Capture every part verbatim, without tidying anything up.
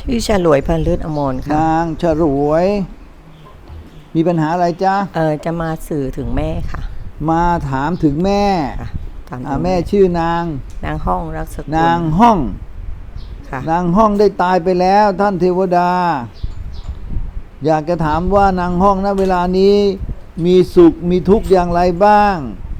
ชื่อฉลวยพันลืดอมรค่ะนางฉลวยมีปัญหาอะไรจ๊ะเออจะมาสื่อถึงแม่ค่ะมาถามถึงแม่ค่ะถามถึอ่าง แม่ชื่อนางนางห้องรักสกุลนางห้องค่ะนางห้องได้ตายไปแล้วท่านเทวดาอยากจะถามว่านางห้องณเวลานี้มีสุขมีทุกข์อย่างไรบ้าง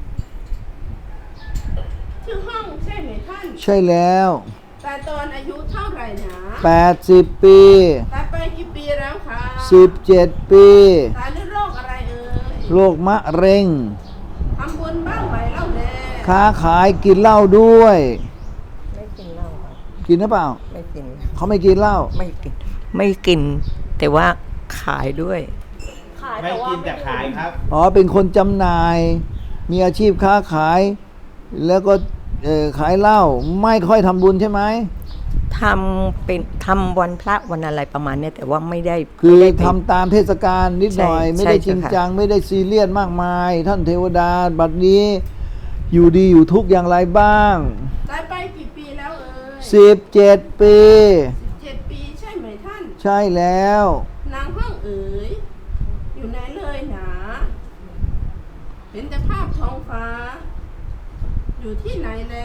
ชื่อห้องใช่ไหมท่านใช่แล้วแต่ตอนอายุเท่าไหร่นะแปดสิบปีตายไปกี่ปีแล้วคะสิบเจ็ดปีตายด้วยโรคอะไรเอ่ยโรคมะเร็งทำบุญบ้างไหมเล่าแน่ค้าขายกินเหล้าด้วยไม่กินเหล้าค่ะกินหรือเปล่าไม่กินเขาไม่กินเหล้าไม่กินไม่กินแต่ว่าขายด้วยขายไม่กินแต่ขายครับอ๋อเป็นคนจำหน่ายมีอาชีพค้าขายแล้วก็เอ่อขายเหล้าไม่ค่อยทำบุญใช่ไหมทำเป็นทำวันพระวันอะไรประมาณนี้แต่ว่าไม่ได้คือทำตามเทศกาลนิดหน่อยไม่ได้จริงจังไม่ได้ซีเรียสมากมายท่านเทวดาบัดนี้อยู่ดีอยู่ทุกอย่างไรบ้างตายไปกี่ปีแล้วเอ่ยสิบเจ็ดปีสิบเจ็ดปีใช่ไหมท่านใช่แล้วนางห้องเอ๋ยอยู่ไหนเลยหนาเห็นแต่ภาพท้องฟ้าอยู่ที่ไหนแล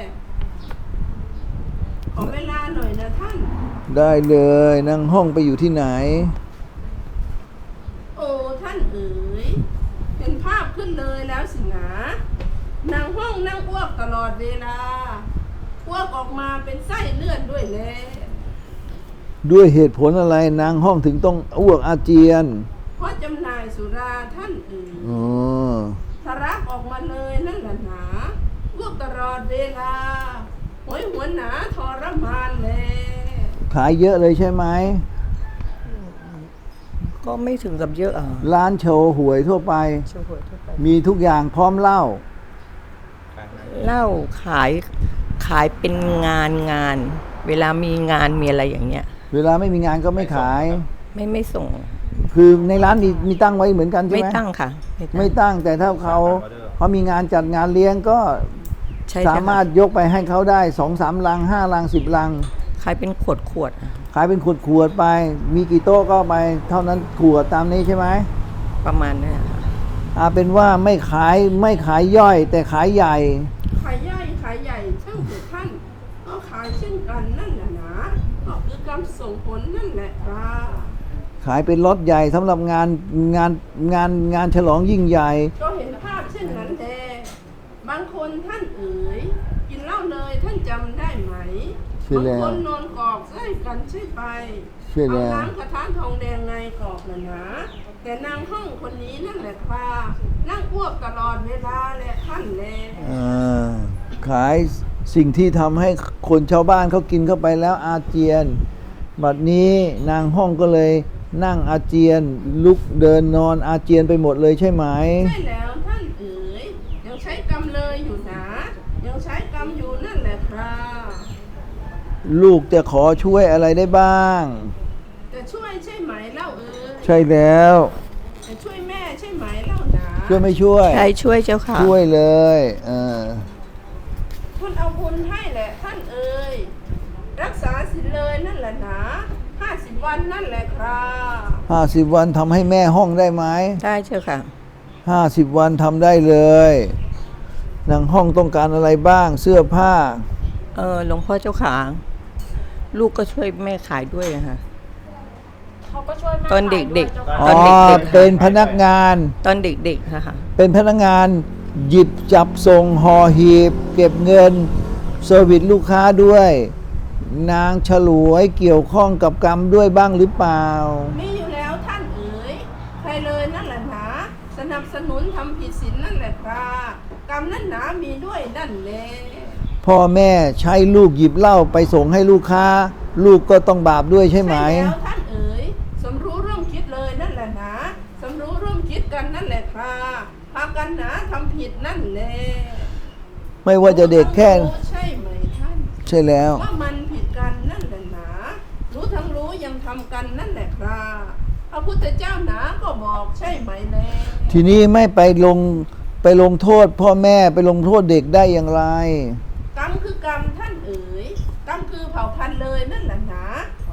ขอเวลาหน่อยนะท่านได้เลยนางห้องไปอยู่ที่ไหนโอ้ท่านเอ๋ยเห็นภาพขึ้นเลยแล้วสินะนางห้องนั่งอ้วกตลอดเวลาอ้วกออกมาเป็นไส้เลือดด้วยแลด้วยเหตุผลอะไรนางห้องถึงต้องอ้วกอาเจียนเพราะจำหน่ายสุราท่านเอ๋ยอ๋อทะลักออกมาเลยนั่นแหละหนาอ้วกตลอดเวลาหวยหัวหนาทรมานแลขายเยอะเลยใช่ไหมก็ไม่ถึงกับเยอะอ่ะร้านโชว์หวยทั่วไปมีทุกอย่างพร้อมเหล้าเหล้าขายขายเป็นงานงานเวลามีงานมีอะไรอย่างเงี้ยเวลาไม่มีงานก็ไม่ขายไม่ไม่ส่งคือในร้านมีมีตั้งไว้เหมือนกันใช่ไหมไม่ตั้งค่ะไม่ตั้งแต่ถ้าเขาเขามีงานจัดงานเลี้ยงก็สามารถยกไปให้เขาได้สองสามลังห้าลังสิบลังขายเป็นขวดขวดขายเป็นขวดขวดไปมีกี่โต๊ะก็ไปเท่านั้นขวดตามนี้ใช่ไหมประมาณนี้ค่ะอาเป็นว่าไม่ขายไม่ขายย่อยแต่ขายใหญ่ขายย่อยขายใหญ่ช่างเถิดท่านก็ขายเช่นกันนั่นแหละนะก็คือกรรมส่งผลนั่นแหละครับขายเป็นล็อตใหญ่สำหรับงานงานงานงานฉลองยิ่งใหญ่ก็เห็นภาพเช่นนั้นแลบางคนท่านเอ๋ยกินเหล้าเลยท่านจำได้ไหมบางคนนอนกอกใส่กันใช่ไปเอาน้ำกระทะทองแดงไงกอกนะนะแต่นางห้องคนนี้นั่นแหละค่ะนั่งอ้วกตลอดเวลาแหละท่านแลขายสิ่งที่ทำให้คนชาวบ้านเขากินเข้าไปแล้วอาเจียนบัดนี้นางห้องก็เลยนั่งอาเจียนลุกเดินนอนอาเจียนไปหมดเลยใช่ไหมใช่แล้วท่านเอ๋ยยังใช้กรรมเลยอยู่นะยังใช้กรรมอยู่นั่นแหละครับลูกจะขอช่วยอะไรได้บ้างจะช่วยใช่ไหมเล่าเอ๋ยใช่แล้วจะช่วยแม่ใช่ไหมเล่านะช่วยไม่ช่วยใช่ช่วยเจ้าค่ะช่วยเลยเออท่านเอาบุญให้แหละท่านเอ๋ยรักษาศีลเลยนั่นแหละนะห้าสิบวันนั่นแหละครับห้าสิบวันทำให้แม่ห้องได้ไหมได้เจ้าค่ะห้าสิบวันทำได้เลยนางห้องต้องการอะไรบ้างเสื้อผ้าเออหลวงพ่อเจ้าขาลูกก็ช่วยแม่ขายด้วยนะคะเขาก็ช่วยแม่ตอนเด็กๆตอนเด็กๆเป็นพนักงานตอนเด็กๆค่ะเป็นพนักงานหยิบจับส่งห่อหีบเก็บเงินเซอร์วิสลูกค้าด้วยนางฉลวยเกี่ยวข้องกับกรรมด้วยบ้างหรือเปล่ามีอยู่แล้วท่านเอ๋ยใครเลยนั่นแหละนะสนับสนุนทำผิดศีลนั่นแหละครับกรรมนั่นหนามีด้วยนั่นแหละพ่อแม่ใช้ลูกหยิบเหล้าไปส่งให้ลูกค้าลูกก็ต้องบาปด้วยใช่ไหมใช่แล้วท่านเอ๋ยสมรู้ร่วมคิดเลยนั่นแหละนะสมรู้ร่วมคิดกันนั่นแหละครับพากันหนาทำผิดนั่นแหละไม่ว่าจะเด็กแค่ใช่ไหมท่านใช่แล้วว่ามันผิดกันนั่นแหละนะรู้ทั้งรู้ยังทำกันนั่นแหละครับพระพุทธเจ้าหนาก็บอกใช่ไหมแลทีนี้ไม่ไปลงไปลงโทษพ่อแม่ไปลงโทษเด็กได้อย่างไรกรรมคือกรรมท่านเอ๋ยกรรมคือเผ่าพันธุ์เลยนั่นแหละนะ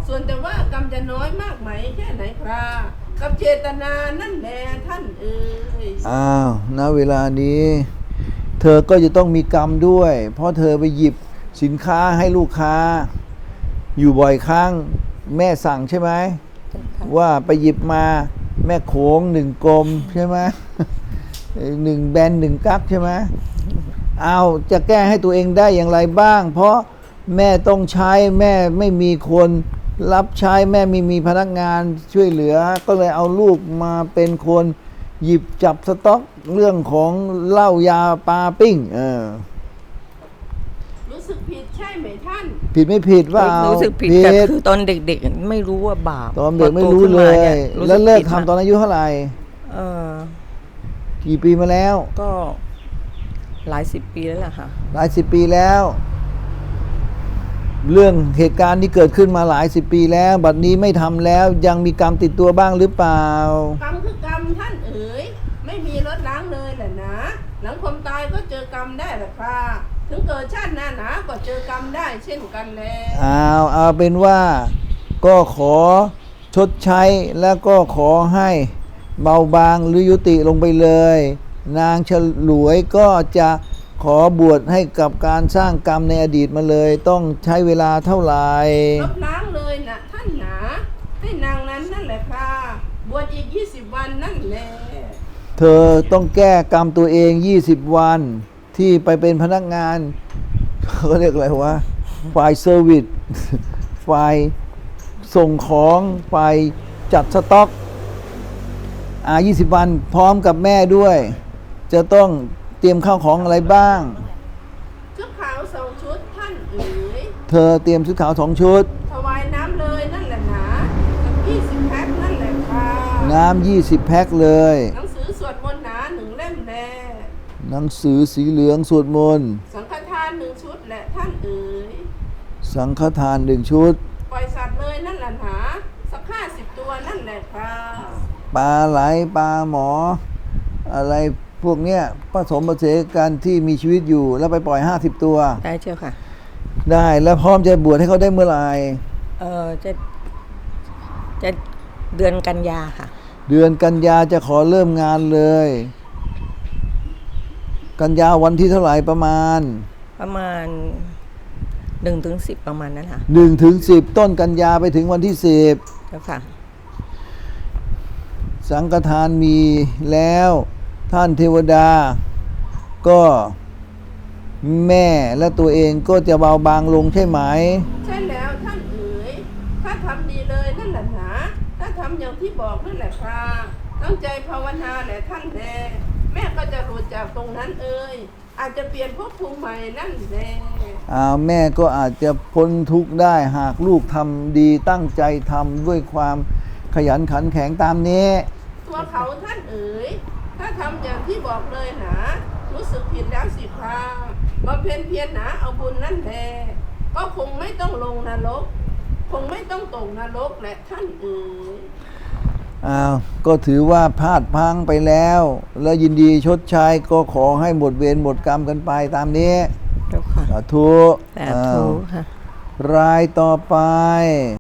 ส่วนแต่ว่ากรรมจะน้อยมากไหมแค่ไหนครับกับเจตนานั่นแหละท่านเอ๋ยอ้าวณเวลานี้ เธอก็จะต้องมีกรรมด้วย เพราะเธอไปหยิบสินค้าให้ลูกค้า อยู่บ่อยครั้งแม่สั่งใช่ไหมว่าไปหยิบมาแม่โขงหนึ่งกลมใช่ไหม หนึ่งแบนหนึ่งกั๊กใช่ไหมเอาจะแก้ให้ตัวเองได้อย่างไรบ้าง เพราะแม่ต้องใช้แม่ไม่มีคนรับใช้แม่ไม่มีพนักงานช่วยเหลือ ก็เลยเอาลูกมาเป็นคนหยิบจับสต็อกเรื่องของเหล้ายาปลาปิ้งเออรู้สึกผิดใช่ไหมท่านผิดไม่ผิดว่าเอารู้สึกผิดแต่คือตอนเด็กๆไม่รู้ว่าบาปตอนเด็กไม่รู้พอโตขึ้นเลมาย นี่รู้สึแล้วเลิกผิดทำตอนอายุเท่าไหร่เออกี่ปีมาแล้วก็หลายสิบปีแล้วล่ะค่ะหลายสิบปีแล้ว เรื่องเหตุการณ์ที่เกิดขึ้นมาหลายสิบปีแล้ว บัดนี้ไม่ทำแล้วยังมีกรรมติดตัวบ้างหรือเปล่ากรรมคือกรรมท่านเอ๋ยไม่มีลดล้างเลยแหละนะ หลังความตายก็เจอกรรมได้แหละครับถึงเกิดชาติหน้าหนาก็เจอกรรมได้เช่นกันแลเอาเอาเป็นว่าก็ขอชดใช้แล้วก็ขอให้เบาบางหรือยุติลงไปเลย นางฉลวยก็จะขอบวชให้กับการสร้างกรรมในอดีตมาเลย ต้องใช้เวลาเท่าไหร่ลบล้างเลยนะท่านหนาให้นางนั้นนั่นแหละครับบวชอีกยี่สิบวันนั่นแหละเธอต้องแก้กรรมตัวเองยี่สิบวันที่ไปเป็นพนักงาน เขาเรียกอะไรวะฝ่ายเซอร์วิส ฝ่ายส่งของฝ่ายจัดสต็อกอ่ายี่สิบวันพร้อมกับแม่ด้วย จะต้องเตรียมข้าวของอะไรบ้างชุดขาวสองชุดท่านเอ๋ยเธอเตรียมชุดขาวสองชุดถวายน้ำเลยนั่นแหละนะกับยี่สิบแพ็คนั่นแหละค่ะน้ำยี่สิบแพ็คเลยหนังสือสวดมนต์หนาหนึ่งเล่มแลหนังสือสีเหลืองสวดมนต์สังฆทานหนึ่งชุดแหละท่านเอ๋ยสังฆทานหนึ่งชุดปล่อยสัตว์เลยนั่นแหละหนาสักห้าสิบตัวนั่นแหละค่ะปลาไหลปลาหมอ อะไรพวกเนี้ยผสมผสานกันที่มีชีวิตอยู่แล้วไปปล่อยห้าสิบตัวได้เจ้าค่ะได้แล้วพร้อมจะบวชให้เขาได้เมื่อไหร่เออจะจะเดือนกันยาค่ะเดือนกันยาจะขอเริ่มงานเลย กันยาวันที่เท่าไหร่ประมาณประมาณหนึ่งถึงสิบประมาณนั้นค่ะหนึ่งถึงสิบต้นกันยาไปถึงวันที่สิบเจ้าค่ะสังฆทานมีแล้วท่านเทวดา ก็แม่และตัวเองก็จะเบาบางลงใช่ไหมใช่แล้วท่านเอ๋ยถ้าทำดีเลยนั่นแหละหนาถ้าทำอย่างที่บอกนั่นแหละครับตั้งใจภาวนาแหละท่านแลแม่ก็จะหลุดจากตรงนั้นเอ่ยอาจจะเปลี่ยนภพภูมิใหม่นั่นแหละอ่าแม่ก็อาจจะพ้นทุกข์ได้หากลูกทำดีตั้งใจทำด้วยความขยันขันแข็งตามนี้ตัวเขาท่านเอ๋ยถ้าทำอย่างที่บอกเลยหนารู้สึกผิดแล้วสิคราบำเพ็ญเพียรหนาเอาบุญนั่นแหละก็คงไม่ต้องลงนรกคงไม่ต้องตกนรกแหละท่านเอ๋ยอ้าวก็ถือว่าพลาดพลังไปแล้ว แล้วยินดีชดใช้ก็ขอให้หมดเวรหมดกรรมกันไปตามนี้เจ้าค่ะสาธุสาธุค่ะรายต่อไป